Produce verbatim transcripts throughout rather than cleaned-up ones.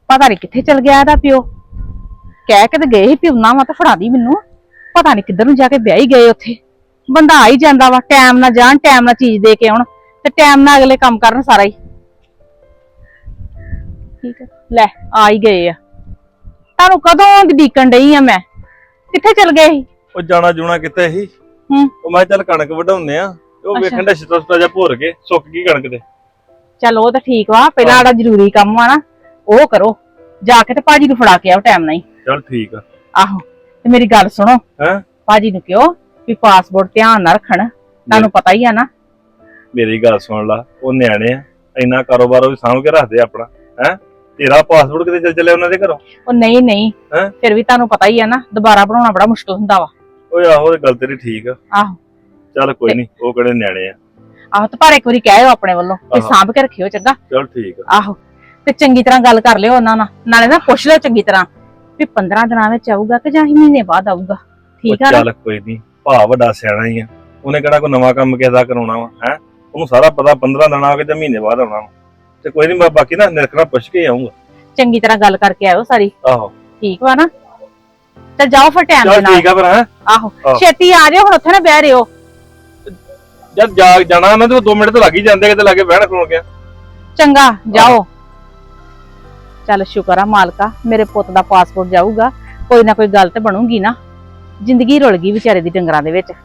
ਪਤਾ ਨਹੀਂ ਕਿੱਥੇ ਚਲ ਗਿਆ ਇਹਦਾ ਪਿਓ। ਕਹਿ ਕੇ ਤੇ ਗਏ ਸੀ ਪਿਉਣਾ ਵਾ ਤਾਂ ਫੜਾ ਦੀ ਮੈਨੂੰ। ਪਤਾ ਨਹੀਂ ਕਿੱਧਰ ਨੂੰ ਜਾ ਕੇ ਵਿਆਹ ਹੀ ਗਏ ਉੱਥੇ। ਬੰਦਾ ਆ ਹੀ ਜਾਂਦਾ ਵਾ, ਟਾਈਮ ਨਾਲ ਜਾਣ, ਟਾਈਮ ਨਾਲ ਚੀਜ਼ ਦੇ ਕੇ ਆਉਣ ਤੇ ਟਾਈਮ ਨਾਲ ਅਗਲੇ ਕੰਮ ਕਰਨ ਸਾਰਾ ਹੀ। ਠੀਕ ਹੈ, ਲੈ ਆ ਹੀ ਗਏ ਆ। ਤੁਹਾਨੂੰ ਕਦੋਂ ਦੀ ਡੀਕਣ ਡਈ ਆ ਮੈਂ। ਕਿੱਥੇ ਚਲ ਗਏ ਸੀ? ਉਹ ਜਾਣਾ ਜੂਣਾ ਕਿੱਥੇ ਸੀ। ਹੂੰ, ਉਹ ਮੈਂ ਚੱਲ ਕਣਕ ਵਢਾਉਂਦੇ ਆ। ਉਹ ਵੇਖਣ ਦਾ ਛਿੱਟਾ ਛਿੱਟਾ ਜਿਹਾ ਭੁਰ ਕੇ ਸੁੱਕ ਗਈ ਕਣਕ ਤੇ। ਚਲ ਉਹ ਤਾਂ ਠੀਕ ਵਾ, ਪਹਿਲਾਂ ਆੜਾ ਜ਼ਰੂਰੀ ਕੰਮ ਆ ਨਾ ਉਹ ਕਰੋ। ਜਾ ਕੇ ਤੇ ਭਾਜੀ ਨੂੰ ਫੜਾ ਕੇ ਆਓ ਟਾਈਮ ਨਾਲ ਹੀ। ਚੱਲ ਠੀਕ ਆ। ਆਹੋ ਤੇ ਮੇਰੀ ਗੱਲ ਸੁਣੋ, ਹੈ ਭਾਜੀ ਨੂੰ ਕਿਹੋ ਵੀ ਪਾਸਪੋਰਟ ਧਿਆਨ ਨਾਲ ਰੱਖਣ। ਤੁਹਾਨੂੰ ਪਤਾ ਹੀ ਆ ਨਾ। ਮੇਰੀ ਗੱਲ ਸੁਣ ਲਾ, ਉਹ ਨਿਆਣੇ ਆ, ਇੰਨਾ ਕਾਰੋਬਾਰ ਉਹ ਵੀ ਸਾਂਭ ਕੇ ਰੱਖਦੇ ਆਪਣਾ। ਹੈ ਤੇਰਾ ਪਾਸਪੋਰਟ ਕਿਤੇ ਚੱਲ ਚੱਲਿਆ ਉਹਨਾਂ ਦੇ ਘਰੋਂ? ਉਹ ਨਹੀਂ ਨਹੀਂ, ਹੈਂ? ਫਿਰ ਵੀ ਤੁਹਾਨੂੰ ਪਤਾ ਹੀ ਆ ਨਾ, ਦੁਬਾਰਾ ਬਣਾਉਣਾ ਬੜਾ ਮੁਸ਼ਕਲ ਹੁੰਦਾ ਵਾ। ਓਏ ਆਹੋ, ਇਹ ਗੱਲ ਤੇਰੀ ਠੀਕ ਆ। ਆਹੋ ਚੱਲ ਕੋਈ ਨਹੀਂ, ਉਹ ਕਿਹੜੇ ਨਿਆਣੇ ਆ। ਆਹੋ ਤੇ ਪਰ ਇੱਕ ਵਾਰੀ ਕਹਿਓ ਆਪਣੇ ਵੱਲੋਂ ਕਿ ਸਾਂਭ ਕੇ ਰੱਖਿਓ, ਚੰਗਾ? ਚੱਲ ਠੀਕ ਆ। ਆਹੋ ਤੇ ਚੰਗੀ ਤਰ੍ਹਾਂ ਗੱਲ ਕਰ ਲਿਓ ਉਹਨਾਂ ਨਾਲ, ਨਾਲੇ ਨਾ ਪੁੱਛ ਲਿਓ ਚੰਗੀ ਤਰ੍ਹਾਂ ਵੀ ਪੰਦਰਾਂ ਦਿਨਾਂ ਵਿੱਚ ਆਊਗਾ ਕਿ ਜਾਂ ਮਹੀਨੇ ਬਾਅਦ ਆਊਗਾ। ਠੀਕ ਆ? ਚੱਲ ਕੋਈ ਨਹੀਂ, ਭਾ ਵੱਡਾ ਸਿਆਣਾ ਹੀ ਆ, ਉਹਨੇ ਕਿਹੜਾ ਕੋਈ ਨਵਾਂ ਕੰਮ ਕਿਸੇ ਦਾ ਕਰਾਉਣਾ ਵਾ। ਹੈ ਉਹਨੂੰ ਸਾਰਾ ਪਤਾ ਪੰਦਰਾਂ ਦਿਨਾਂ ਆ ਕੇ ਜਾਂ ਮਹੀਨੇ ਬਾਅਦ ਆਉਣਾ ਵਾ। ਤੇ ਕੋਈ ਨਹੀਂ, ਮੈਂ ਬਾਕੀ ਨਾ ਨਿਰਖਣਾ ਪੁੱਛ ਕੇ ਆਉਂਗਾ। ਚੰਗੀ ਤਰ੍ਹਾਂ ਗੱਲ ਕਰਕੇ ਆਇਓ ਸਾਰੀ। ਆਹੋ ਠੀਕ ਵਾ ਨਾ? ਚੱਲ ਜਾਓ ਫਿਰ ਟਾਈਮ ਦੇ ਚੱਲ ਨਾਲ। ਠੀਕ ਆ ਫਿਰ। ਹੈ ਆਹੋ ਛੇਤੀ ਆ ਜਾਓ, ਹੁਣ ਉੱਥੇ ਨਾ ਬਹਿ ਰਿਓ। ਜਦ ਜਾ ਜਾਣਾ ਨਾ ਤੇ ਦੋ ਮਿੰਟ ਤਾਂ ਲੱਗ ਹੀ ਜਾਂਦੇ, ਕਿਤੇ ਲਾਗੇ ਬਹਿਣ ਖਲੋਣ ਗਿਆ। ਚੰਗਾ ਜਾਓ। ਚੱਲ ਸ਼ੁਕਰ ਆ ਮਾਲਕਾ, ਮੇਰੇ ਪੁੱਤ ਦਾ ਪਾਸਪੋਰਟ ਜਾਊਗਾ। ਕੋਈ ਨਾ ਕੋਈ ਗੱਲ ਤੇ ਬਣੂਗੀ ਨਾ। ਜ਼ਿੰਦਗੀ ਰੁਲ ਗਈ ਵਿਚਾਰੇ ਦੀ ਡੰਗਰਾਂ ਦੇ ਵਿੱਚ।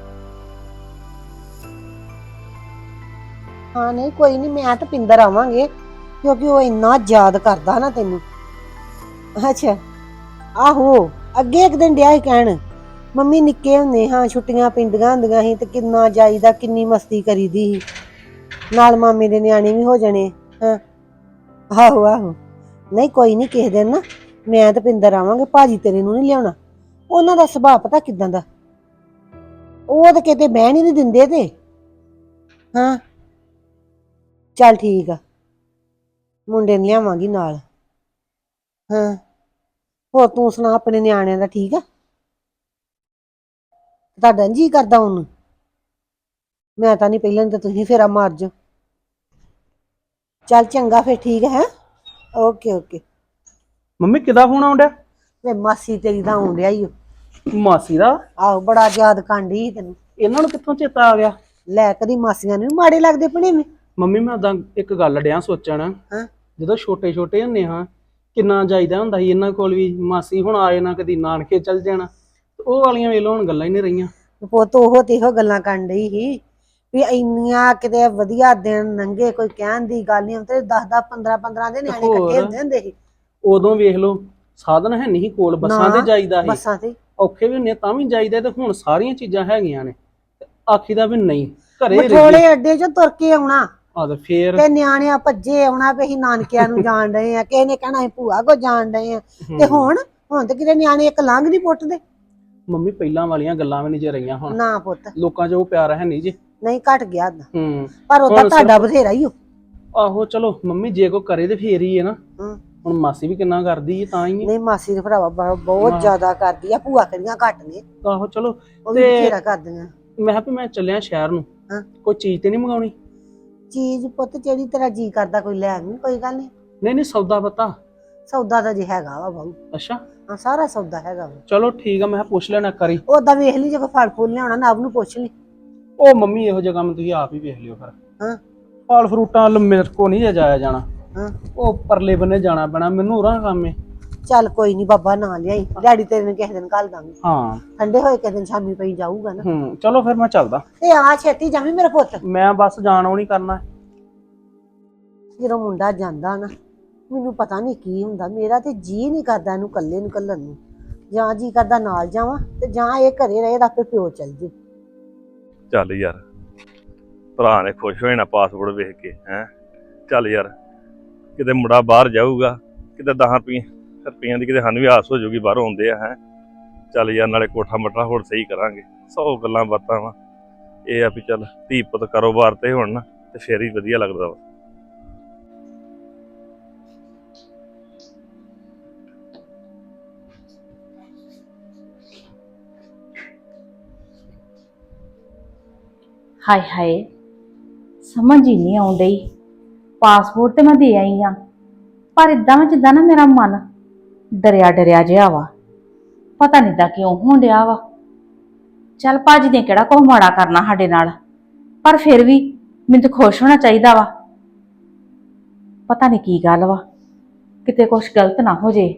ਹਾਂ ਨਹੀਂ ਕੋਈ ਨਹੀਂ, ਮੈਂ ਤਾਂ ਪਿੰਦਰ ਆਵਾਂਗੇ ਕਿਉਂਕਿ ਉਹ ਇੰਨਾ ਯਾਦ ਕਰਦਾ ਨਾ ਤੈਨੂੰ। ਅੱਛਾ ਆਹੋ, ਅੱਗੇ ਇੱਕ ਦਿਨ ਡਿਆ ਸੀ ਕਹਿਣ, ਮੰਮੀ ਨਿੱਕੇ ਹੁੰਦੇ ਹਾਂ ਛੁੱਟੀਆਂ ਪੈਂਦੀਆਂ ਹੁੰਦੀਆਂ ਸੀ ਤੇ ਕਿੰਨਾ ਜਾਈਦਾ, ਕਿੰਨੀ ਮਸਤੀ ਕਰੀਦੀ ਸੀ, ਨਾਲ ਮਾਮੇ ਦੇ ਨਿਆਣੇ ਵੀ ਹੋ ਜਾਣੇ। ਹਾਂ ਆਹੋ ਆਹੋ, ਨਹੀਂ ਕੋਈ ਨਹੀਂ, ਕਿਸੇ ਦਿਨ ਨਾ ਮੈਂ ਤੇ ਪਿੰਦਰ ਆਵਾਂਗੇ। ਭਾਜੀ ਤੇਰੇ ਨੂੰ ਨਹੀਂ ਲਿਆਉਣਾ, ਉਹਨਾਂ ਦਾ ਸੁਭਾਅ ਪਤਾ ਕਿਦਾਂ ਦਾ, ਉਹ ਤਾਂ ਕਿਤੇ ਬਹਿਣ ਹੀ ਨਹੀਂ ਦਿੰਦੇ ਤੇ। ਹਾਂ ਚੱਲ ਠੀਕ ਆ, ਮੁੰਡੇ ਨੂੰ ਲਿਆਵਾਂਗੀ ਨਾਲ। ਹਾਂ ਹੋਰ ਤੂੰ ਸੁਣਾ, ਆਪਣੇ ਨਿਆਣਿਆਂ ਦਾ ਠੀਕ ਆ? ਤੁਹਾਡਾ ਜੀ ਕਰਦਾ ਉਹਨੂੰ? ਮੈਂ ਤਾਂ ਨਹੀਂ, ਪਹਿਲਾਂ ਤਾਂ ਤੁਸੀਂ ਫੇਰਾ ਮਾਰ ਜਾਓ। ਚੱਲ ਚੰਗਾ ਫਿਰ, ਠੀਕ ਹੈ। Okay okay. ਮੰਮੀ ਕਿਦਾ ਫੋਨ ਆਉਣ ਡਿਆ? ਵੇ ਮਾਸੀ ਤੇਰੀ ਦਾ ਆਉਣ ਡਿਆ ਈ ਓ। ਮਾਸੀ ਦਾ? ਆਹੋ ਬੜਾ ਯਾਦ ਕਾਂਡੀ ਸੀ ਤੈਨੂੰ। ਇਹਨਾਂ ਨੂੰ ਕਿੱਥੋਂ ਚੇਤਾ ਆ ਗਿਆ? ਲੈ ਕਦੀ ਮਾਸੀਆਂ ਨੂੰ ਵੀ ਮਾੜੇ ਲੱਗਦੇ ਪਣੇ ਨੇ। ਮੰਮੀ ਮੈਂ ਉਦਾਂ ਇੱਕ ਗੱਲ ਡਿਆ ਸੋਚਣ, ਹਾਂ ਜਦੋਂ ਛੋਟੇ ਛੋਟੇ ਹੁੰਦੇ ਹਾਂ ਕਿੰਨਾ ਜਾਈਦਾ ਹੁੰਦਾ ਸੀ ਇਹਨਾਂ ਕੋਲ ਵੀ। ਮਾਸੀ ਹੁਣ ਆਏ ਨਾ, ਕਦੀ ਨਾਨਕੇ ਚੱਲ ਜਾਣਾ, ਉਹ ਵਾਲੀਆਂ ਵੇਲੋਂ ਹੁਣ ਗੱਲਾਂ ਹੀ ਨਹੀਂ ਰਹੀਆਂ। ਪੁੱਤ ਉਹ ਤੇ ਇਹੋ ਗੱਲਾਂ ਕਰਨ ਡਈ ਸੀ ਵੀ ਇੰਨੀਆਂ ਕਿਤੇ ਵਧੀਆ ਦਿਨ ਲੰਘੇ, ਕੋਈ ਕਹਿਣ ਦੀ ਗੱਲ ਨਹੀਂ। ਤੇ ਦਸ ਦਸ ਪੰਦਰਾਂ ਪੰਦਰਾਂ ਦੇ ਨਿਆਣੇ ਇਕੱਠੇ ਹੁੰਦੇ ਹੁੰਦੇ ਸੀ। ਉਦੋਂ ਵੇਖ ਲਓ ਸਾਧਨ ਹੈ ਨਹੀਂ ਕੋਲ, ਬੱਸਾਂ ਤੇ ਜਾਈਦਾ ਸੀ, ਬੱਸਾਂ ਤੇ ਔਖੇ ਵੀ ਹੁੰਦੇ ਤਾਂ ਵੀ ਜਾਈਦਾ। ਤੇ ਹੁਣ ਸਾਰੀਆਂ ਚੀਜ਼ਾਂ ਹੈਗੀਆਂ ਨੇ, ਆਖੀਦਾ ਵੀ ਨਹੀਂ ਘਰੇ ਮਠੋਲੇ ਅੱਡੇ ਚੋਂ ਤੁਰ ਕੇ ਆਉਣਾ ਆ ਤੇ ਫੇਰ ਤੇ ਨਿਆਣਿਆਂ ਭੱਜੇ ਆਉਣਾ ਵੀ ਅਸੀਂ ਨਾਨਕਿਆਂ ਨੂੰ ਜਾਣ ਡਏ ਆ, ਕਿਸੇ ਨੇ ਕਹਿਣਾ ਅਸੀਂ ਭੂਆ ਕੋ ਜਾਣ ਡਏ ਆ। ਤੇ ਹੁਣ ਹੁਣ ਤੇ ਕਿਤੇ ਨਿਆਣੇ ਇੱਕ ਲੰਘ ਨਹੀਂ ਪੁੱਟਦੇ। ਮੰਮੀ ਪਹਿਲਾਂ ਵਾਲੀਆਂ ਗੱਲਾਂ ਵੀ ਨਹੀਂ ਜੇ ਰਹੀਆਂ ਹੁਣ। ਨਾ ਪੁੱਤ, ਲੋਕਾਂ 'ਚ ਉਹ ਪਿਆਰ ਹੈ ਨਹੀਂ ਜੀ। ਨਹੀਂ ਘਟ ਗਿਆ ਏਦਾਂ। ਹੂੰ ਪਰ ਉਹਦਾ ਤੁਹਾਡਾ ਬਥੇਰਾ ਹੀ ਹੋ। ਆਹੋ ਚਲੋ ਮੰਮੀ ਜੇ ਕੋ ਕਰੇ ਤੇ ਫੇਰ ਹੀ ਹੈ ਨਾ। ਹੂੰ ਹੁਣ ਮਾਸੀ ਵੀ ਕਿੰਨਾ ਕਰਦੀ ਹੈ ਤਾਂ ਹੀ। ਨਹੀਂ ਮਾਸੀ ਦੇ ਭਰਾਵਾ ਬਹੁਤ ਜ਼ਿਆਦਾ ਕਰਦੀ ਆ, ਭੂਆ ਕਰੀਆਂ ਘੱਟ ਨੇ। ਆਹੋ ਚਲੋ ਉਹ ਵੀ ਬਥੇਰਾ ਕਰਦੀਆਂ। ਮੈਂ ਕਿਹਾ ਵੀ ਮੈਂ ਚੱਲਿਆ ਸ਼ਹਿਰ ਨੂੰ, ਹਾਂ ਕੋਈ ਚੀਜ਼ ਤੇ ਨਹੀਂ ਮੰਗਾਉਣੀ? ਚੀਜ਼ ਪੁੱਤ ਜਿਹੜੀ ਤੇਰਾ ਜੀ ਕਰਦਾ ਕੋਈ ਲੈ ਆਵੀਂ, ਕੋਈ ਗੱਲ ਨਹੀਂ। ਨਹੀਂ ਨਹੀਂ ਸੌਦਾ ਪਤਾ ਸੌਦਾ ਤਾਂ ਜੇ ਹੈਗਾ ਵਾ ਬਾਊ। ਅੱਛਾ ਹਾਂ ਸਾਰਾ ਸੌਦਾ ਹੈਗਾ ਵਾ। ਚਲੋ ਠੀਕ ਆ, ਮੈਂ ਪੁੱਛ ਲੈਣਾ ਕਰੀ। ਉਹਦਾ ਵੇਖ ਲਈ, ਜੇ ਕੋਈ ਫਲ ਫੁੱਲ ਲਿਆਉਣਾ ਨਵ ਨੂੰ ਪੁੱਛ ਲਈ। ਉਹ ਮੰਮੀ ਇਹੋ ਜਿਹਾ ਕੰਮ ਤੁਸੀਂ ਆਪ ਹੀ ਵੇਖ ਲਿਓ ਫਿਰ। ਹਾਂ ਫਲ ਫਰੂਟਾਂ ਵੱਲ ਮੇਰੇ ਕੋ ਨਹੀਂ ਜਾਇਆ ਜਾਣਾ। ਹਾਂ ਉਹ ਪਰਲੇ ਬੰਨੇ ਜਾਣਾ ਪੈਣਾ ਮੈਨੂੰ, ਉਰਾਂ ਕੰਮ ਏ। ਚੱਲ ਕੋਈ ਨਹੀਂ ਬਾਬਾ, ਨਾ ਲਿਆਈ, ਡੈਡੀ ਤੇਰੇ ਨੂੰ ਕਿਸੇ ਦਿਨ ਘੱਲ ਦਾਂਗੇ। ਹਾਂ ਠੰਡੇ ਹੋਏ ਕਿਸੇ ਦਿਨ ਸ਼ਾਮੀ ਪਈ ਜਾਊਗਾ ਨਾ। ਹੂੰ ਚਲੋ ਫਿਰ ਮੈਂ ਚੱਲਦਾ। ਤੇ ਆ ਛੇਤੀ ਜਾਵੀਂ ਮੇਰਾ ਪੁੱਤ। ਮੈਂ ਬਸ ਜਾਣ ਆਉਣੀ ਕਰਨਾ। ਜਦੋਂ ਮੁੰਡਾ ਜਾਂਦਾ ਨਾ, ਮੈਨੂੰ ਪਤਾ ਨਹੀਂ ਕੀ ਹੁੰਦਾ, ਮੇਰਾ ਤੇ ਜੀ ਨਹੀਂ ਕਰਦਾ ਇਹਨੂੰ ਇਕੱਲੇ ਨੂੰ ਘੱਲਣ ਨੂੰ। ਜਾਂ ਜੀ ਕਰਦਾ ਨਾਲ ਜਾਵਾਂ ਤੇ ਜਾਂ ਇਹ ਘਰੇ ਰਹੇ ਤਾਂ ਆਪੇ ਪਿਓ ਚੱਲ ਜੇ। ਚੱਲ ਯਾਰ, ਭਰਾ ਨੇ ਖੁਸ਼ ਹੋ ਜਾਣਾ ਪਾਸਪੋਰਟ ਵੇਖ ਕੇ। ਹੈ ਚੱਲ ਯਾਰ, ਕਿਤੇ ਮੁੰਡਾ ਬਾਹਰ ਜਾਊਗਾ, ਕਿਤੇ ਦਸਾਂ ਰੁਪਈਏ ਰੁਪਈਆਂ ਦੀ ਕਿਤੇ ਸਾਨੂੰ ਵੀ ਆਸ ਹੋ ਜਾਊਗੀ ਬਾਹਰੋਂ ਆਉਂਦੇ ਆ। ਹੈ ਚੱਲ ਯਾਰ, ਨਾਲੇ ਕੋਠਾ ਮਟਰਾ ਹੋਰ ਸਹੀ ਕਰਾਂਗੇ, ਸੌ ਗੱਲਾਂ ਬਾਤਾਂ ਵਾ। ਇਹ ਆ ਵੀ ਚੱਲ ਧੀ ਪੁੱਤ ਕਾਰੋਬਾਰ ਤੇ ਹੋਣ ਨਾ ਤੇ ਫੇਰ ਹੀ ਵਧੀਆ ਲੱਗਦਾ ਵਾ। ਹਾਏ ਹਾਏ, ਸਮਝ ਹੀ ਨਹੀਂ ਆਉਣ ਡਈ। ਪਾਸਪੋਰਟ ਤੇ ਮੈਂ ਦੇ ਆਈ ਆ, ਪਰ ਇਦਾਂ ਵਿੱਚ ਜਿੱਦਾਂ ਨਾ ਮੇਰਾ ਮਨ ਡਰਿਆ ਡਰਿਆ ਜਿਹਾ ਵਾ। ਪਤਾ ਨਹੀਂ ਦਾ ਕਿਉਂ ਹੋਣ ਡਿਆ ਵਾ। ਚੱਲ ਭਾਜੀ ਨੇ ਕਿਹੜਾ ਕੁਛ ਮਾੜਾ ਕਰਨਾ ਸਾਡੇ ਨਾਲ, ਪਰ ਫਿਰ ਵੀ ਮੈਨੂੰ ਤਾਂ ਖੁਸ਼ ਹੋਣਾ ਚਾਹੀਦਾ ਵਾ। ਪਤਾ ਨਹੀਂ ਕੀ ਗੱਲ ਵਾ, ਕਿਤੇ ਕੁਛ ਗਲਤ ਨਾ ਹੋ ਜੇ।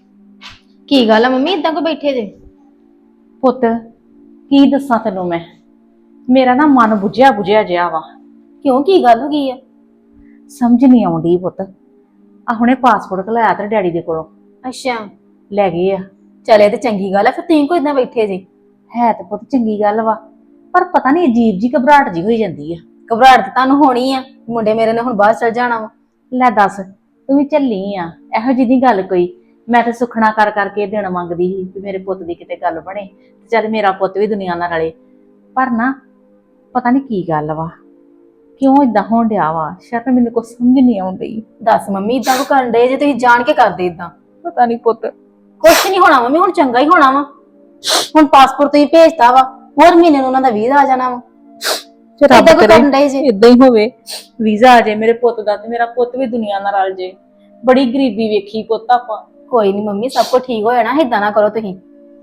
ਕੀ ਗੱਲ ਆ ਮੰਮੀ ਇਦਾਂ ਕੋ ਬੈਠੇ ਜੇ? ਪੁੱਤ ਕੀ ਦੱਸਾਂ ਤੈਨੂੰ ਮੈਂ, ਮੇਰਾ ਨਾ ਮਨ ਬੁਝਿਆ ਬੁਝਿਆ ਜਿਹਾ ਵਾ। ਕਿਉਂ ਕੀ ਗੱਲ ਹੋ ਗਈ ਆ? ਸਮਝ ਨਹੀਂ ਆਉਂਦੀ ਪੁੱਤ। ਆ ਹੁਣੇ ਪਾਸਪੋਰਟ ਘਲਾਇਆ ਤੇ ਡੈਡੀ ਦੇ ਕੋਲੋਂ ਅੱਛਾ, ਲੈ ਗਏ ਆ। ਚਲੇ ਤੇ ਚੰਗੀ ਗੱਲ ਆ, ਫਿਰ ਤੁਸੀਂ ਕੋ ਇਦਾਂ ਬੈਠੇ ਜੇ? ਹੈ ਤੇ ਪੁੱਤ ਚੰਗੀ ਗੱਲ ਵਾ, ਪਰ ਪਤਾ ਨਹੀਂ ਅਜੀਬ ਜੀ ਘਬਰਾਹਟ ਜੀ ਹੋਈ ਜਾਂਦੀ ਆ। ਘਬਰਾਹਟ ਤਾਂ ਤੁਹਾਨੂੰ ਹੋਣੀ ਆ, ਮੁੰਡੇ ਮੇਰੇ ਨੇ ਹੁਣ ਬਾਹਰ ਚਲ ਜਾਣਾ ਵਾ। ਲੈ ਦੱਸ, ਤੂੰ ਵੀ ਝੱਲੀ ਆ ਇਹੋ ਜਿਹੀ ਦੀ ਗੱਲ ਕੋਈ। ਮੈਂ ਤੇ ਸੁਖਣਾ ਕਰ ਕਰਕੇ ਦਿਨ ਮੰਗਦੀ ਸੀ ਵੀ ਮੇਰੇ ਪੁੱਤ ਦੀ ਕਿਤੇ ਗੱਲ ਬਣੇ, ਤੇ ਚੱਲ ਮੇਰਾ ਪੁੱਤ ਵੀ ਦੁਨੀਆ ਨਾਲ ਰਲੇ। ਪਰ ਨਾ ਪਤਾ ਨਹੀਂ ਕੀ ਗੱਲ ਵਾ, ਕਿਉਂ ਇਦਾਂ ਹੋਣ ਡਿਆ ਵਾ। ਸ਼ਾਇਦ ਮੈਨੂੰ ਕੁਛ ਸਮਝ ਨਹੀਂ ਆਉਂਦੀ। ਦੱਸ ਮੰਮੀ ਇਦਾਂ ਕੋ ਕਰਨ ਦੇ ਜੇ? ਤੁਸੀਂ ਜਾਣ ਕੇ ਕਰਦੇ ਇਦਾਂ? ਪਤਾ ਨਹੀਂ ਪੁੱਤ। ਕੁਛ ਨਹੀਂ ਹੋਣਾ ਮੰਮੀ, ਹੁਣ ਚੰਗਾ ਹੀ ਹੋਣਾ ਵਾ। ਹੁਣ ਪਾਸਪੋਰਟ ਤੁਸੀਂ ਭੇਜਤਾ ਵਾ, ਹੋਰ ਮਹੀਨੇ ਨੂੰ ਉਹਨਾਂ ਦਾ ਵੀਜ਼ਾ ਆ ਜਾਣਾ ਵਾ। ਰੱਬ ਏਦਾਂ ਕਿਉਂ ਕਰੇ ਕਰਨ ਡਏ ਜੇ? ਇਦਾਂ ਹੀ ਹੋਵੇ, ਵੀਜ਼ਾ ਆ ਜਾਏ ਮੇਰੇ ਪੁੱਤ ਦਾ ਤੇ ਮੇਰਾ ਪੁੱਤ ਵੀ ਦੁਨੀਆ ਨਾਲ ਰਲ ਜੇ। ਬੜੀ ਗਰੀਬੀ ਵੇਖੀ ਪੁੱਤ ਆਪਾਂ। ਕੋਈ ਨਹੀਂ ਮੰਮੀ, ਸਭ ਕੁਝ ਠੀਕ ਹੋ ਜਾਣਾ, ਇਦਾਂ ਨਾ ਕਰੋ ਤੁਸੀਂ।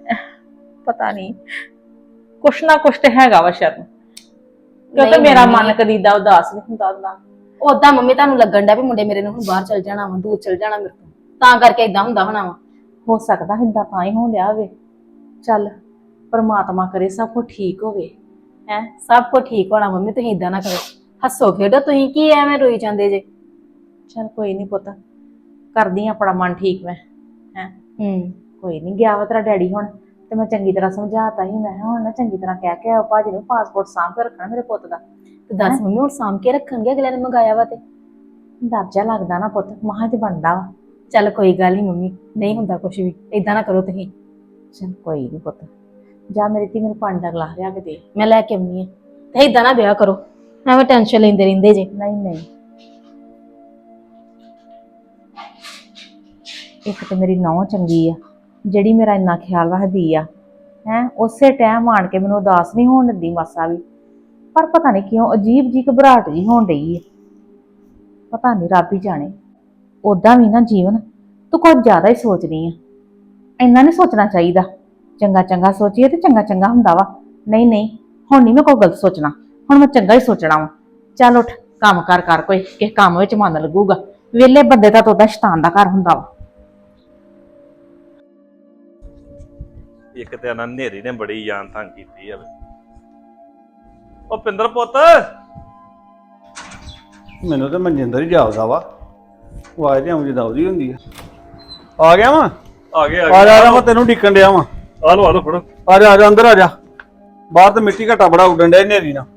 ਪਤਾ ਨਹੀਂ ਕੁਛ ਨਾ ਕੁਛ ਤੇ ਹੈਗਾ ਵਾ ਸ਼ਾਇਦ, ਕਿਉਂਕਿ ਨਹੀਂ ਮੇਰਾ ਮੰਮੀ। ਮਨ ਕਦੀ ਦਾ ਉਦਾਸ ਨਹੀਂ ਹੁੰਦਾ ਹੁੰਦਾ। ਉਦਾਂ ਮੰਮੀ ਤੁਹਾਨੂੰ ਲੱਗਣ ਡਿਆ ਵੀ ਮੁੰਡੇ ਮੇਰੇ ਨੂੰ ਹੁਣ ਬਾਹਰ ਚਲ ਜਾਣਾ ਵਾ, ਦੂਰ ਚਲ ਜਾਣਾ ਮੇਰੇ ਤੋਂ, ਤਾਂ ਕਰਕੇ ਇਦਾਂ ਹੁੰਦਾ ਹੋਣਾ ਵਾ। ਹੋ ਸਕਦਾ ਹਿੰਦਾ ਤਾਂ ਹੀ ਹੋਣ ਡਿਆ ਹੋਵੇ। ਚੱਲ ਪਰਮਾਤਮਾ ਕਰੇ ਸਭ ਕੁਝ ਠੀਕ ਹੋਵੇ। ਹੈ ਸਭ ਕੁਝ ਠੀਕ ਹੋਣਾ ਮੰਮੀ, ਤੁਸੀਂ ਇਦਾਂ ਨਾ ਕਰੋ। ਹੱਸੋ ਖੇਡੋ, ਤੁਸੀਂ ਕੀ ਐਵੇਂ ਰੋਈ ਜਾਂਦੇ ਜੇ? ਚੱਲ ਕੋਈ ਨਹੀਂ ਪੁੱਤ, ਕਰਦੀ ਆਂ ਆਪਣਾ ਮਨ ਠੀਕ ਮੈਂ। ਹੈ ਹੂੰ, ਕੋਈ ਨਹੀਂ, ਗਿਆ ਵਾ ਤੇਰਾ ਡੈਡੀ ਹੁਣ, ਤੇ ਮੈਂ ਚੰਗੀ ਤਰ੍ਹਾਂ ਸਮਝਾਤਾ ਸੀ। ਮੈਂ ਕਿਹਾ ਹੁਣ ਨਾ ਚੰਗੀ ਤਰ੍ਹਾਂ ਕਹਿ ਕੇ ਆਓ ਭਾਜੀ ਨੂੰ ਪਾਸਪੋਰਟ ਸਾਂਭ ਕੇ ਰੱਖਣਾ ਮੇਰੇ ਪੁੱਤ ਦਾ। ਤੇ ਦੱਸ ਮੰਮੀ ਹੁਣ ਸਾਂਭ ਕੇ ਰੱਖਣਗੇ, ਅਗਲੇ ਨੇ ਮੰਗਾਇਆ ਵਾ ਤੇ। ਦਰਜਾ ਲੱਗਦਾ ਨਾ ਪੁੱਤ, ਮਹਾਂ ਤੇ ਬਣਦਾ ਵਾ। ਚੱਲ ਕੋਈ ਗੱਲ ਨਹੀਂ ਮੰਮੀ, ਨਹੀਂ ਹੁੰਦਾ ਕੁਝ ਵੀ, ਇਦਾਂ ਨਾ ਕਰੋ ਤੁਸੀਂ। ਚੱਲ ਕੋਈ ਨਹੀਂ ਪੁੱਤ, ਜਾ ਮੇਰੀ ਧੀ ਮੈਨੂੰ ਪਾਣੀ ਦਾ ਗਲਾਸ ਲਿਆ ਕੇ ਦੇ। ਮੈਂ ਲੈ ਕੇ ਆਉਣੀ ਆ, ਤੇ ਇਦਾਂ ਨਾ ਵਿਆਹ ਕਰੋ, ਐਵੇਂ ਟੈਨਸ਼ਨ ਲੈਂਦੇ ਰਹਿੰਦੇ ਜੇ। ਨਹੀਂ ਨਹੀਂ, ਇੱਕ ਤੇ ਮੇਰੀ ਨੌਂ ਚੰਗੀ ਆ ਜਿਹੜੀ ਮੇਰਾ ਇੰਨਾ ਖਿਆਲ ਰੱਖਦੀ ਆ। ਹੈ ਉਸੇ ਟਾਈਮ ਆਣ ਕੇ ਮੈਨੂੰ ਉਦਾਸ ਨਹੀਂ ਹੋਣ ਦਿੰਦੀ ਮਾਸਾ ਵੀ। ਪਰ ਪਤਾ ਨਹੀਂ ਕਿਉਂ ਅਜੀਬ ਜੀ ਘਬਰਾਹਟ ਜੀ ਹੋਣ ਡਈ ਹੈ। ਪਤਾ ਨਹੀਂ ਰੱਬ ਹੀ ਜਾਣੇ। ਉਦਾਂ ਵੀ ਨਾ ਜੀਵਨ ਤੂੰ ਕੁਝ ਜ਼ਿਆਦਾ ਹੀ ਸੋਚਦੀ ਆ। ਇੰਨਾ ਨਹੀਂ ਸੋਚਣਾ ਚਾਹੀਦਾ। ਚੰਗਾ ਚੰਗਾ ਸੋਚੀਏ ਤੇ ਚੰਗਾ ਚੰਗਾ ਹੁੰਦਾ ਵਾ। ਨਹੀਂ ਨਹੀਂ, ਹੁਣ ਨਹੀਂ ਮੈਂ ਕੋਈ ਗਲਤ ਸੋਚਣਾ, ਹੁਣ ਮੈਂ ਚੰਗਾ ਹੀ ਸੋਚਣਾ ਵਾ। ਚੱਲ ਉੱਠ, ਕੰਮ ਕਰ ਕਰ, ਕੋਈ ਕਿਸੇ ਕੰਮ ਵਿੱਚ ਮਨ ਲੱਗੂਗਾ। ਵਿਹਲੇ ਬੰਦੇ ਦਾ ਤਾਂ ਉਹਦਾ ਸ਼ੈਤਾਨ ਦਾ ਘਰ ਹੁੰਦਾ ਵਾ। ਇੱਕ ਤੇ ਨਾ ਨੇਰੀ ਨੇ ਬੜੀ ਜਾਨ ਤੰਗ ਕੀਤੀ ਆ। ਉਹ ਪਿੰਦਰ ਪੁੱਤ, ਮੈਨੂੰ ਤਾਂ ਮਨਜਿੰਦਰ ਹੀ ਜਾਪਦਾ ਵਾ। ਆਵਾਜ਼ ਤੇ ਆਉਂਦੀ ਦਉਦੀ ਹੁੰਦੀ ਆ। ਆ ਗਿਆ ਵਾ, ਆ ਗਿਆ ਆ ਜਾ ਆ ਜਾ, ਮੈਂ ਤੈਨੂੰ ਢਿੱਕਣ ਡਿਆ ਵਾ। ਆ ਲੋ ਆ ਲੋ ਫੜੋ। ਆ ਜਾ ਆ ਜਾ, ਅੰਦਰ ਆ ਜਾ। ਬਾਹਰ ਤੇ ਮਿੱਟੀ ਘਟਾ ਬੜਾ ਉੱਡਣ ਡਿਆ ਨੇਰੀ ਨਾਲ।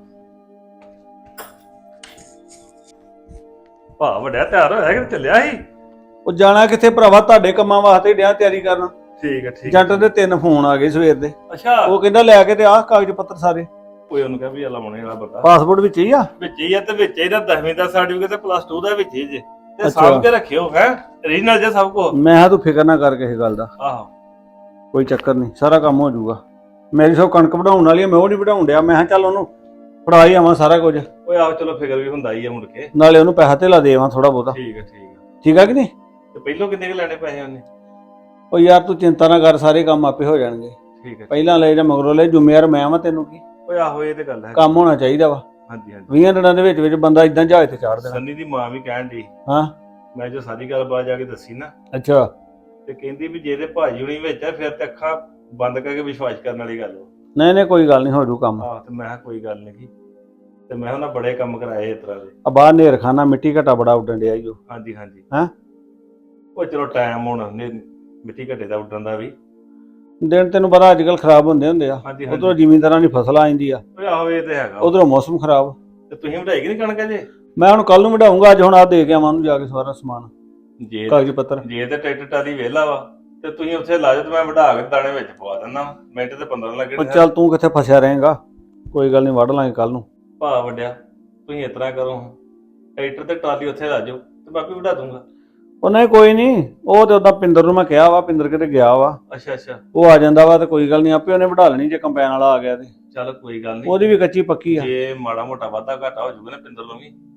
ਭਾ ਵੱਡਾ ਤਿਆਰ ਹੋਇਆ ਕਿ ਚੱਲਿਆ ਸੀ? ਉਹ ਜਾਣਾ ਕਿੱਥੇ ਭਰਾਵਾ, ਤੁਹਾਡੇ ਕੰਮਾਂ ਵਾਸਤੇ ਡਿਆ ਤਿਆਰੀ ਕਰਨ। ਠੀਕ ਹੈ ਠੀਕ। ਜੱਟ ਦੇ ਤਿੰਨ ਫੋਨ ਆ ਗਏ ਸਵੇਰ ਦੇ। ਅੱਛਾ, ਉਹ ਕਹਿੰਦਾ ਲੈ ਕੇ ਤੇ ਆਹ ਕਾਗਜ਼ ਪੱਤਰ ਸਾਰੇ। ਕੋਈ ਉਹਨੂੰ ਕਹਿ ਵੀ ਆਲਾ ਮੋਣੇ ਵਾਲਾ ਬੰਦਾ ਪਾਸਪੋਰਟ ਵਿੱਚ ਹੀ ਆ। ਵਿੱਚ ਹੀ ਆ, ਤੇ ਵਿੱਚ ਇਹਦਾ ਦਸਵੀਂ ਦਾ ਸਰਟੀਫਿਕੇਟ ਤੇ ਪਲੱਸ ਟੂ ਦਾ ਵਿੱਚ ਹੀ ਜੇ, ਤੇ ਅੱਛਾ। ਸਾਂਭ ਕੇ ਰੱਖਿਓ ਹੈ ਰੀਜਨਲ ਜੇ ਸਭ ਕੋ। ਮੈਂ ਕਿਹਾ ਤੂੰ ਫਿਕਰ ਨਾ ਕਰ ਕਿਸੇ ਗੱਲ ਦਾ, ਆਹੋ ਕੋਈ ਚੱਕਰ ਨਹੀਂ, ਸਾਰਾ ਕੰਮ ਹੋ ਜਾਊਗਾ। ਮੇਰੀ ਸਭ ਕਣਕ ਵਢਾਉਣ ਵਾਲੀ ਆ, ਮੈਂ ਉਹ ਨਹੀਂ ਵਢਾਉਣ ਡਿਆ। ਮੈਂ ਕਿਹਾ ਚੱਲ ਉਹਨੂੰ ਫੜਾ ਹੀ ਆਵਾਂ ਸਾਰਾ ਕੁਝ, ਓਏ ਆਹ ਚਲੋ ਫਿਕਰ ਵੀ ਹੁੰਦਾ ਹੀ ਆ ਮੁੜ ਕੇ। ਨਾਲੇ ਉਹਨੂੰ ਪੈਸਾ ਧੇਲਾ ਦੇ ਆਵਾਂ ਥੋੜਾ ਬਹੁਤਾ। ਠੀਕ ਹੈ ਠੀਕ ਹੈ। ਠੀਕ ਆ ਕਿ ਨਹੀਂ? ਤੇ ਪਹਿਲੋਂ ਕਿੰਨੇ ਕੁ ਲੈਣੇ ਪੈਸੇ ਉਹਨੇ? ਉਹ ਯਾਰ ਤੂੰ ਚਿੰਤਾ ਨਾ ਕਰ, ਸਾਰੇ ਕੰਮ ਆਪੇ ਹੋ ਜਾਣਗੇ। ਠੀਕ ਹੈ। ਪਹਿਲਾਂ ਲੈ ਜਾਂ ਮਗਰੋਂ ਲੈ, ਜ਼ਿੰਮੇਵਾਰ ਮੈਂ ਵਾਂ, ਤੈਨੂੰ ਕੀ। ਓਏ ਆਹੋ ਇਹ ਤੇ ਗੱਲ ਹੈ। ਕੰਮ ਹੋਣਾ ਚਾਹੀਦਾ ਵਾ। ਹਾਂਜੀ ਹਾਂਜੀ। ਵੀਹਾਂ ਦਿਨਾਂ ਦੇ ਵਿੱਚ ਵਿੱਚ ਬੰਦਾ ਇਦਾਂ ਜਹਾਜ਼ ਤੇ ਚਾੜ ਦੇਣਾ। ਸੰਨੀ ਦੀ ਮਾਂ ਵੀ ਕਹਿਣ ਦੀ, ਹਾਂ ਮੈਂ ਜੋ ਸਾਰੀ ਗੱਲਬਾਤ ਜਾ ਕੇ ਦੱਸੀ ਨਾ, ਅੱਛਾ, ਤੇ ਕਹਿੰਦੀ ਵੀ ਜੇ ਤੇ ਭਾਜੀ ਹੁਣੀ ਵਿੱਚ ਆ ਫਿਰ ਤੇ ਅੱਖਾਂ ਬੰਦ ਕਰਕੇ ਵਿਸ਼ਵਾਸ ਕਰਨ ਵਾਲੀ ਗੱਲ ਵਾ। ਨਹੀਂ ਨਹੀਂ ਕੋਈ ਗੱਲ ਨਹੀਂ, ਹੋ ਜੂ ਕੰਮ। ਆਹ ਤੇ ਮੈਂ ਕਿਹਾ ਕੋਈ ਗੱਲ ਨਹੀਂ, ਤੇ ਮੈਂ ਉਹਨਾਂ ਬੜੇ ਕੰਮ ਕਰਾਏ ਇਸ ਤਰ੍ਹਾਂ ਦੇ। ਆ ਬਾਹਰ ਨੇਰਖਾਨਾ ਮਿੱਟੀ ਘਟਾ ਬੜਾ ਉੱਡਣ ਡਿਆ ਈ ਓ। ਹਾਂਜੀ ਹਾਂਜੀ। ਹੈਂ? ਉਹ ਚਲੋ ਟਾਈਮ ਹੁਣ ਨੇ ਮਿੱਟੀ ਘੱਟੇ ਦਾ ਉੱਡਣ ਦਾ ਵੀ। ਦਿਨ ਤੈਨੂੰ ਪਤਾ ਅੱਜ ਕੱਲ ਖਰਾਬ ਹੁੰਦੇ ਹੁੰਦੇ ਆ। ਹਾਂਜੀ ਉਧਰੋਂ ਹਾਂਜੀ। ਜ਼ਿਮੀਂਦਾਰਾਂ ਦੀ ਫਸਲ ਆ ਜਾਂਦੀ ਆ, ਓਏ ਆਹੋ ਇਹ ਤੇ ਹੈਗਾ। ਉਧਰੋਂ ਮੌਸਮ ਖਰਾਬ। ਤੇ ਤੁਸੀਂ ਵਧਾਈ ਕਿ ਨਹੀਂ ਕਣਕ ਜੇ? ਮੈਂ ਹੁਣ ਕੱਲ ਨੂੰ ਵਢਾਊਂਗਾ, ਅੱਜ ਹੁਣ ਆ ਦੇ ਕੇ ਆਵਾਂ ਉਹਨੂੰ ਜਾ ਕੇ ਸਾਰਾ ਸਮਾਨ, ਜੇ ਕਾਗਜ਼ ਪੱਤਰ। ਜੇ ਤੇ ਟਰੈਕਟਰ ਟਾਲੀ ਵਿਹਲਾ ਵਾ ਤੇ ਤੁਸੀਂ ਉੱਥੇ ਲਾ ਜਾਓ, ਤੇ ਮੈਂ ਵਢਾ ਕੇ ਦਾਣੇ ਵਿੱਚ ਪਵਾ ਦਿੰਦਾ ਵਾਂ। ਮਿੰਟ ਤੇ ਪੰਦਰਾਂ ਉਹ ਲੱਗਣੇ। ਚੱਲ ਤੂੰ ਕਿੱਥੇ ਫਸਿਆ ਰਹੇਗਾ, ਕੋਈ ਗੱਲ ਨਹੀਂ, ਵੱਢ ਲਾਂਗੇ ਕੱਲ ਨੂੰ। ਭਾ ਵੱਡਿਆ, ਤੁਸੀਂ ਇਸ ਤਰ੍ਹਾਂ ਕਰੋ, ਟਰੈਕਟਰ ਤੇ ਟਰਾਲੀ ਉੱਥੇ ਲਾ ਜਾਓ ਤੇ ਮੈਂ ਆਪੇ ਵਢਾ ਦੂੰਗਾ। ਉਹ ਨਹੀਂ ਕੋਈ ਨਹੀਂ, ਉਹ ਤੇ ਉਦਾਂ ਪਿੰਦਰ ਨੂੰ ਮੈਂ ਕਿਹਾ ਵਾ, ਪਿੰਦਰ ਕਿਤੇ ਗਿਆ ਵਾ, ਅੱਛਾ ਅੱਛਾ। ਉਹ ਆ ਜਾਂਦਾ ਵਾ ਤੇ ਕੋਈ ਗੱਲ ਨਹੀਂ, ਆਪੇ ਉਹਨੇ ਵਢਾ ਲੈਣੀ ਜੇ ਕੰਪੈਨ ਵਾਲਾ ਆ ਗਿਆ ਤੇ। ਚੱਲ ਕੋਈ ਗੱਲ ਨਹੀਂ। ਉਹਦੀ ਵੀ ਕੱਚੀ ਪੱਕੀ ਆ। ਜੇ ਮਾੜਾ ਮੋਟਾ ਵਾਧਾ ਘਾਟਾ ਹੋ ਜਾਊਗਾ ਨਾ ਪਿੰਦਰ ਨੂੰ ਵੀ,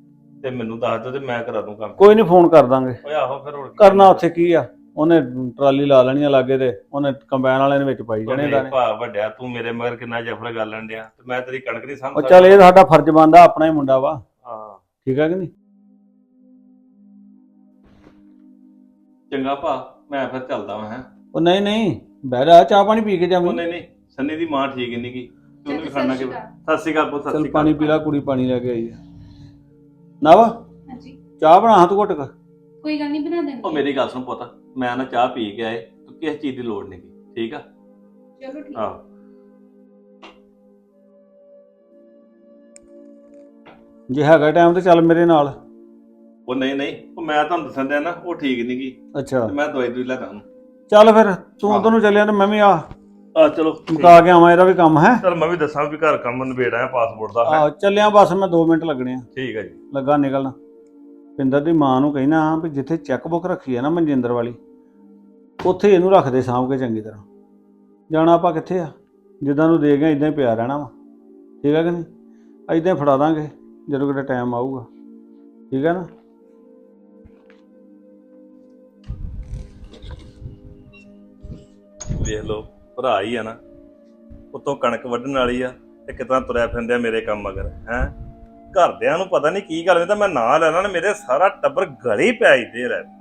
ਤੇ ਮੈਨੂੰ ਦੱਸ ਦਿਓ ਤੇ ਮੈਂ ਕਰਾ ਦੂੰ ਕੰਮ। ਕੋਈ ਨਹੀਂ, ਫੋਨ ਕਰ ਦਾਂਗੇ। ਓਏ ਆਹੋ ਫਿਰ ਹੋਰ ਕੀ ਕਰਨਾ ਉੱਥੇ ਕੀ ਆ, ਉਹਨੇ ਟਰਾਲੀ ਲਾ ਲੈਣੀ ਆ ਲਾਗੇ ਤੇ ਉਹਨੇ ਕੰਬਾਈਨ ਵਾਲੇ ਨੇ ਵਿੱਚ ਪਾਈ ਜਾਣੇ ਨਹੀਂ ਦਾਣੇ। ਭਾ ਵੱਡਿਆ, ਤੂੰ ਮੇਰੇ ਮਗਰ ਕਿੰਨਾ ਜਫੜ ਗੱਲ ਲਣ ਡਿਆ ਤੇ ਮੈਂ ਤੇਰੀ ਕਣਕ ਨਹੀਂ ਉਹ ਸਮਝ ਚੱਲ ਇਹ ਸਾਡਾ ਫਰਜ਼ ਬਣਦਾ, ਆਪਣਾ ਹੀ ਮੁੰਡਾ ਵਾ, ਹਾਂ ਠੀਕ ਆ ਕਿ ਨਹੀਂ? ਚੰਗਾ ਭਾ, ਮੈਂ ਫਿਰ ਚੱਲਦਾ ਵਾਂ। ਹੈ ਉਹ ਨਹੀਂ ਨਹੀਂ, ਬਹਿ ਜਾ, ਚਾਹ ਪਾਣੀ ਪੀ ਕੇ ਉਹ ਜਾਵੀਂ। ਨਹੀਂ ਨਹੀਂ, ਸੰਨੀ ਦੀ ਮਾਂ ਠੀਕ ਨਹੀਂ ਗੀ, ਤੂੰ ਵੀ ਖਾਣਾ ਕਿ। ਸਤਿ ਸ਼੍ਰੀ ਅਕਾਲ ਪੁੱਤ, ਸਤਿ ਚੱਲ ਸ਼੍ਰੀ ਪਾਣੀ ਅਕਾਲ। ਪੀ ਲਾ, ਕੁੜੀ ਪਾਣੀ ਲੈ ਕੇ ਆਈ ਆ। ਨਾ ਵਾ ਹਾਂਜੀ ਚਾਹ ਬਣਾ ਹਾਂ ਤੂੰ ਘੁੱਟ ਕੇ। ਕੋਈ ਗੱਲ ਨਹੀਂ ਬਣਾ ਉਹ ਦਿੰਦੀ। ਮੇਰੀ ਗੱਲ ਸੁਣ ਪੁੱਤ, ਮੈਂ ਨਾ ਚਾਹ ਪੀ ਕੇ ਆਏ, ਤੂੰ ਕਿਸ ਚੀਜ਼ ਦੀ ਲੋੜ ਨਹੀਂ ਗੀ, ਠੀਕ ਆ? ਚਲੋ ਠੀਕ। ਆਹੋ ਜੇ ਹੈਗਾ ਟਾਈਮ ਤੇ ਚੱਲ ਮੇਰੇ ਨਾਲ। ਉਹ ਨਹੀਂ ਨਹੀਂ, ਉਹ ਮੈਂ ਤੁਹਾਨੂੰ ਦੱਸਣ ਦਿਆ ਨਾ, ਉਹ ਠੀਕ ਨਹੀਂ ਗੀ, ਅੱਛਾ ਤੇ ਮੈਂ ਦਵਾਈ ਦੂਈ ਲੈ ਦਾਂ। ਚੱਲ ਫਿਰ ਤੂੰ ਹਾਂ। ਉਧਰ ਨੂੰ ਚੱਲਿਆ ਤੇ ਮੈਂ ਵੀ ਆ ਆ ਚਲੋ ਮੁਕਾ ਕੇ ਆਵਾਂ, ਇਹਦਾ ਵੀ ਕੰਮ ਹੈ। ਚਲ ਮੈਂ ਵੀ ਦੱਸਾਂ ਵੀ ਘਰ ਕੰਮ ਨਿਬੇੜਾ ਹੈ ਪਾਸਪੋਰਟ ਦਾ। ਆ ਚੱਲਿਆ ਬਸ, ਮੈਂ ਦੋ ਮਿੰਟ ਲੱਗਣੇ ਆ, ਠੀਕ ਹੈ ਜੀ। ਲੱਗਾ ਨਿਕਲਣਾ। ਪਿੰਦਰ ਦੀ ਮਾਂ ਨੂੰ ਕਹਿਣਾ ਵੀ ਜਿੱਥੇ ਚੈੱਕ ਬੁੱਕ ਰੱਖੀ ਹੈ ਨਾ ਮਨਜਿੰਦਰ ਵਾਲੀ, ਉੱਥੇ ਇਹਨੂੰ ਰੱਖ ਦੇ ਸਾਂਭ ਕੇ ਚੰਗੀ ਤਰ੍ਹਾਂ। ਜਾਣਾ ਆਪਾਂ ਕਿੱਥੇ ਆ, ਜਿੱਦਾਂ ਨੂੰ ਦੇ ਗਏ ਇਦਾਂ ਹੀ ਪਿਆ ਰਹਿਣਾ ਵਾ, ਠੀਕ ਹੈ ਕਿ ਨਹੀਂ? ਇਦਾਂ ਹੀ ਫੜਾ ਦਾਂਗੇ ਜਦੋਂ ਕਿਤੇ ਟਾਈਮ ਆਊਗਾ, ਠੀਕ ਹੈ ਨਾ? ਵੇਖ ਲਓ ਭਰਾ ਹੀ ਆ ਨਾ, ਉੱਤੋਂ ਕਣਕ ਵੱਢਣ ਵਾਲੀ ਆ ਤੇ ਕਿਤਨਾ ਤੁਰਿਆ ਫਿਰਦਿਆ ਮੇਰੇ ਕੰਮ ਮਗਰ। ਹੈ ਘਰਦਿਆਂ ਨੂੰ ਪਤਾ ਨਹੀਂ ਕੀ ਗੱਲ, ਤਾਂ ਮੈਂ ਨਾਂ ਲੈਣਾ ਨਾ ਮੇਰੇ ਸਾਰਾ ਟੱਬਰ ਗਲੀ ਪੈ ਹੀ ਦੇ ਰਹਿ।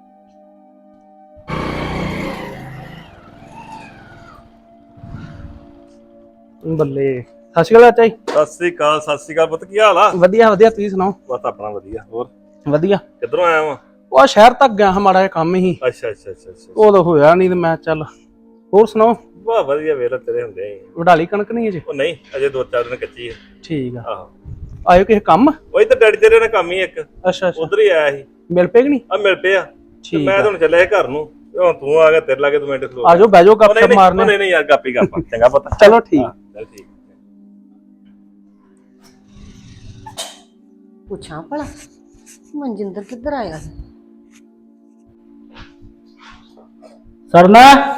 ਬੱਲੇ। ਸਤਿ ਸ਼੍ਰੀ ਅਕਾਲ ਚਾਚਾ ਜੀ। ਸਤਿ ਸ੍ਰੀ ਅਕਾਲ, ਸਤਿ ਸ੍ਰੀ ਅਕਾਲ ਪੁੱਤ, ਕੀ ਹਾਲ ਆ? ਵਧੀਆ ਵਧੀਆ, ਤੁਸੀਂ ਸੁਣਾਓ? ਬਸ ਆਪਣਾ ਵਧੀਆ। ਹੋਰ ਵਧੀਆ। ਕਿੱਧਰੋਂ ਆਇਆ ਵਾ? ਉਹ ਸ਼ਹਿਰ ਤੱਕ ਗਿਆ ਹਾਂ, ਮਾੜਾ ਜਿਹਾ ਕੰਮ ਹੀ, ਅੱਛਾ ਅੱਛਾ ਅੱਛਾ ਅੱਛਾ। ਉਦੋਂ ਹੋਇਆ ਨਹੀਂ ਤੇ ਮੈਂ ਚੱਲ। ਹੋਰ ਸੁਣਾਓ? ਵਾਹ ਵਧੀਆ, ਵੇਲਾ ਤੇਰੇ ਹੁੰਦੇ ਹੀ। ਵਡਾਲੀ ਕਣਕ ਨਹੀਂ ਅਜੇ? ਉਹ ਨਹੀਂ, ਅਜੇ ਦੋ ਚਾਰ ਦਿਨ ਕੱਚੀ ਹੈ। ਠੀਕ ਆ। ਆਹੋ, ਆਇਓ ਕਿਸੇ ਕੰਮ? ਉਹੀ ਤਾਂ ਡੈਡੀ ਤੇਰੇ ਨਾਲ ਕੰਮ ਹੀ ਇੱਕ ਅੱਛਾ ਅੱਛਾ, ਉਧਰ ਹੀ ਆਇਆ ਸੀ, ਮਿਲ ਪਏ ਕਿ ਨਹੀਂ? ਆ ਮਿਲ ਪਿਆ। ਤੇ ਠੀਕ ਮੈਂ ਆ, ਤਾਂ ਹੁਣ ਚੱਲਿਆ ਘਰ ਨੂੰ, ਤੇ ਹੁਣ ਤੂੰ ਆ ਗਿਆ, ਤੇਰੇ ਲਾਗੇ ਦੋ ਮਿੰਟ ਖਲੋ। ਆਜੋ ਬਹਿ ਜਾਓ, ਉਹ ਗੱਪ ਨਹੀਂ ਸ਼ਪ ਨਹੀਂ, ਮਾਰਨੇ। ਉਹ ਨਹੀਂ ਨਹੀਂ ਯਾਰ, ਗਾਪੀ ਗਾਪਾ ਚੰਗਾ ਪਤਾ। ਚਲੋ ਠੀਕ। ਚੱਲ ਠੀਕ। ਪੁੱਛਾਂ ਭਲਾ ਮਨਜਿੰਦਰ ਕਿੱਧਰ ਆਇਆ? ਸਰਨਾ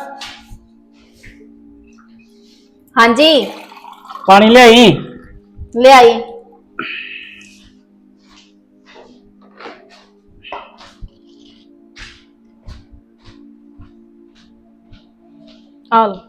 ਹਾਂਜੀ ਪਾਣੀ ਲਿਆਈ। ਲਿਆਈ। ਆਲ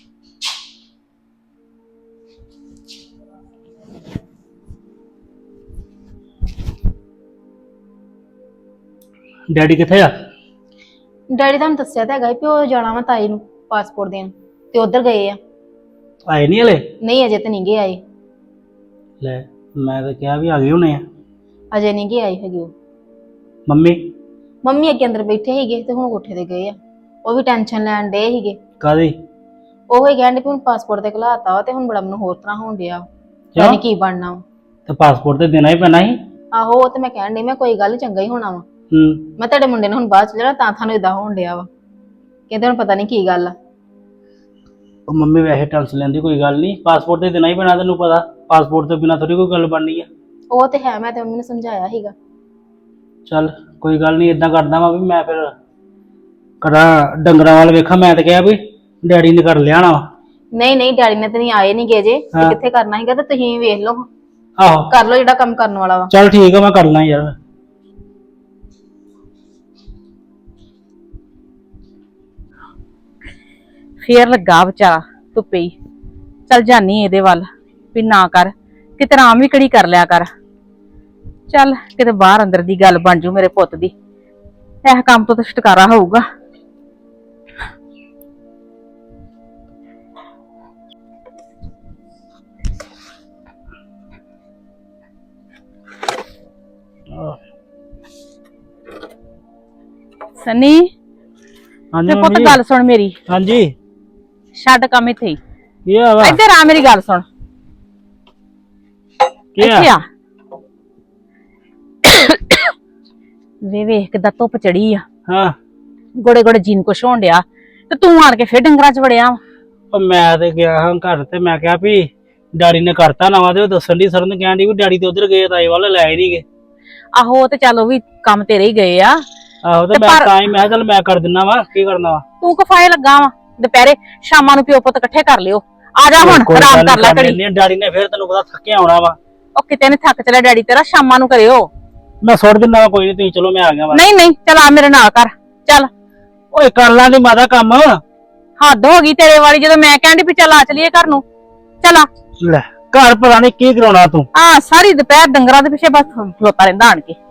ਡੈਡੀ ਕਿੱਥੇ ਆ? ਡੈਡੀ ਤੁਹਾਨੂੰ ਦੱਸਿਆ ਤਾਂ ਹੈਗਾ ਸੀ ਵੀ ਉਹ ਜਾਣਾ ਵਾ ਤਾਈ ਨੂੰ ਪਾਸਪੋਰਟ ਦੇਣ, ਤੇ ਉਧਰ ਗਏ ਆ। ਆਏ ਨਹੀਂ ਹਲੇ? ਨਹੀਂ ਅਜੇ ਤਾਂ ਨਹੀਂ ਗਏ ਆਏ। ਲੈ ਮੈਂ ਤਾਂ ਕਿਹਾ ਵੀ ਆ ਗਏ ਹੋਣੇ ਆ। ਅਜੇ ਨਹੀਂ ਗਏ ਆਏ ਹੈਗੇ ਉਹ। ਮੰਮੀ ਮੰਮੀ ਅੱਗੇ ਅੰਦਰ ਬੈਠੇ ਸੀਗੇ ਤੇ ਹੁਣ ਕੋਠੇ ਤੇ ਗਏ ਆ। ਉਹ ਵੀ ਟੈਨਸ਼ਨ ਲੈਣ ਡੇ ਸੀਗੇ। ਕਾਦੀ? ਉਹ ਹੀ ਕਹਿੰਦੇ ਵੀ ਹੁਣ ਪਾਸਪੋਰਟ ਤੇ ਘਲਾਤਾ ਵਾ ਤੇ ਹੁਣ ਬੜਾ ਮੈਨੂੰ ਹੋਰ ਤਰ੍ਹਾਂ ਹੋਣ ਡਿਆ, ਕਿਉਂ? ਯਾਨੀ ਕੀ ਬਣਨਾ ਵਾ। ਤੇ ਪਾਸਪੋਰਟ ਤੇ ਦੇਣਾ ਹੀ ਪੈਣਾ ਸੀ। ਆਹੋ ਉਹ ਤੇ ਮੈਂ ਕਹਿਣ ਡਈ, ਮੈਂ ਕੋਈ ਗੱਲ ਨੀ, ਚੰਗਾ ਹੀ ਹੋਣਾ ਵਾ। ਹੂੰ। ਮੈਂ ਤੁਹਾਡੇ ਮੁੰਡੇ ਨੂੰ ਹੁਣ ਬਾਅਦ ਚ ਜਿਹੜਾ ਤਾਂ ਤੁਹਾਨੂੰ ਇਦਾਂ ਹੋਣ ਡਿਆ ਵਾ, ਕਹਿੰਦੇ ਹੁਣ ਪਤਾ ਨਹੀਂ ਕੀ ਗੱਲ ਆ। ਉਹ ਮੰਮੀ ਵੈਸੇ ਟੈਨਸ਼ਨ ਲੈਂਦੀ, ਕੋਈ ਗੱਲ ਨਹੀਂ, ਪਾਸਪੋਰਟ ਤੇ ਦੇਣਾ ਹੀ ਪੈਣਾ, ਤੈਨੂੰ ਪਤਾ ਪਾਸਪੋਰਟ ਤੋਂ ਬਿਨਾਂ ਥੋੜੀ ਕੋਈ ਗੱਲ ਬਣਨੀ ਆ। ਉਹ ਤੇ ਹੈ, ਮੈਂ ਤੇ ਮੰਮੀ ਨੂੰ ਸਮਝਾਇਆ ਸੀਗਾ। ਚੱਲ ਕੋਈ ਗੱਲ ਨਹੀਂ, ਇਦਾਂ ਕਰਦਾ ਵਾ ਵੀ ਮੈਂ ਫਿਰ ਕਰਾਂ ਡੰਗਰਾਂ ਵੱਲ ਵੇਖਾਂ। ਮੈਂ ਤਾਂ ਕਿਹਾ ਵੀ ਡੈਡੀ ਨੇ ਕਰ ਲਿਆਣਾ ਵਾ। ਨਹੀਂ ਨਹੀਂ ਡੈਡੀ ਨੇ ਤੇ ਨਹੀਂ ਆਏ ਨਹੀਂ ਗਏ ਜੇ, ਤੇ ਹਾਂ। ਕਿੱਥੇ ਕਰਨਾ ਸੀਗਾ, ਤੇ ਤੁਸੀਂ ਵੇਖ ਲਓ, ਆਹੋ ਕਰ ਲਓ ਜਿਹੜਾ ਕੰਮ ਕਰਨ ਵਾਲਾ ਵਾ। ਚੱਲ ਠੀਕ ਆ, ਮੈਂ ਕਰ ਲਾਂ ਯਾਰ। ਫੇਰ ਲੱਗਾ ਵਿਚਾਰਾ ਧੁੱਪੇ ਹੀ। ਚੱਲ ਜਾਨੀ ਇਹਦੇ ਵੱਲ ਵੀ ਨਾ ਕਰ, ਕਿਤੇ ਆਰਾਮ ਵੀ ਕਿਹੜੀ ਕਰ ਲਿਆ ਕਰ। ਚੱਲ ਕਿਤੇ ਬਾਹਰ ਅੰਦਰ ਦੀ ਗੱਲ ਬਣ ਜੂ ਮੇਰੇ ਪੁੱਤ ਦੀ, ਇਹ ਕੰਮ ਤੋਂ ਤਾਂ ਛੁਟਕਾਰਾ ਹੋਊਗਾ। ਸਨੀ ਹਾਂਜੀ ਤੇ ਪੁੱਤ ਮੰਮੀ। ਗੱਲ ਸੁਣ ਮੇਰੀ, ਹਾਂਜੀ ਛੱਡ ਕੰਮ ਇੱਥੇ ਹੀ, ਕੀ ਆ ਵਾ? ਇੱਧਰ ਆ ਮੇਰੀ ਗੱਲ ਸੁਣ। ਕੀ ਆ? ਇੱਥੇ ਆ ਵੇ ਵੇਖ ਕਿੱਦਾਂ ਧੁੱਪ ਚੜੀ ਆ, ਹਾਂ। ਗੋੜੇ ਗੋੜੇ ਜੀਨ ਕੁਛ ਹੋਣ ਡਿਆ, ਤੇ ਤੂੰ ਆਣ ਕੇ ਫੇਰ ਡੰਗਰਾਂ ਚ ਵੜਿਆ ਵਾ। ਉਹ ਮੈਂ ਤੇ ਗਿਆ ਹਾਂ ਘਰ, ਤੇ ਮੈਂ ਕਿਹਾ ਵੀ ਡੈਡੀ ਨੇ ਕਰਤਾ ਨਵਾਂ, ਤੇ ਉਹ ਦੱਸਣ ਦੀ ਸਰਨ ਕਹਿਣ ਦੀ ਵੀ ਡੈਡੀ ਤੇ ਉਧਰ ਗਏ, ਤਾਏ ਵੱਲ ਲੈ ਨਹੀਂ ਗਏ। ਆਹੋ ਤੇ ਚੱਲ ਉਹ ਵੀ ਕੰਮ ਤੇਰੇ ਹੀ ਗਏ ਆ। ਆਹੋ ਤੇ ਤੇ ਮੈਂ ਪਰ- ਤਾਂ ਹੀ ਮੈਂ ਕਿਹਾ ਚੱਲ ਮੈਂ ਕਰ ਦਿੰਦਾ ਵਾ, ਕੀ ਕਰਨਾ ਵਾ। ਤੂੰ ਕਫਾਏ ਲੱਗਾ ਵਾ, ਦੁਪਹਿਰੇ ਸ਼ਾਮਾਂ ਨੂੰ ਪਿਓ ਪੁੱਤ ਇਕੱਠੇ ਕਰ ਲਿਓ। ਆ ਜਾ ਹੁਣ ਕੋਈ ਆਰਾਮ ਗੱਲ ਕਰ ਲੈ ਨੀ, ਘੜੀ। ਡੈਡੀ ਨੇ ਫੇਰ ਤੈਨੂੰ ਪਤਾ ਥੱਕਿਆ ਆਉਣਾ ਵਾ। ਉਹ ਕਿਤੇ ਨੇ ਥੱਕ ਚਲਿਆ ਡੈਡੀ ਤੇਰਾ, ਸ਼ਾਮਾਂ ਨੂੰ ਕਰਿਓ। ਮੈਂ ਸੁੱਟ ਦਿੰਦਾ ਵਾ, ਕੋਈ ਨਹੀਂ ਤੁਸੀਂ ਚਲੋ ਮੈਂ ਆ ਗਿਆ ਵਾ। ਨਹੀਂ ਨਹੀਂ ਚੱਲ ਆ ਮੇਰੇ ਨਾਲ ਕਰ ਚੱਲ। ਓਏ ਕਰ ਲਾਂ ਦੀ ਮਾਤਾ ਕੰਮ। ਹੱਦ ਹੋ ਗਈ ਤੇਰੇ ਵਾਲੀ, ਜਦੋਂ ਮੈਂ ਕਹਿੰਦੀ ਵੀ ਚੱਲ ਆ ਚਲੀਏ ਘਰ ਨੂੰ। ਚੱਲ ਆ ਲੈ ਘਰ ਪਤਾ ਨਹੀਂ ਕੀ ਕਰਾਉਣਾ ਤੂੰ। ਆ ਸਾਰੀ ਦੁਪਹਿਰ ਡੰਗਰਾਂ ਦੇ ਪਿੱਛੇ ਬਸ ਖਲੋਤਾ ਰਹਿੰਦਾ ਆਣ ਕੇ।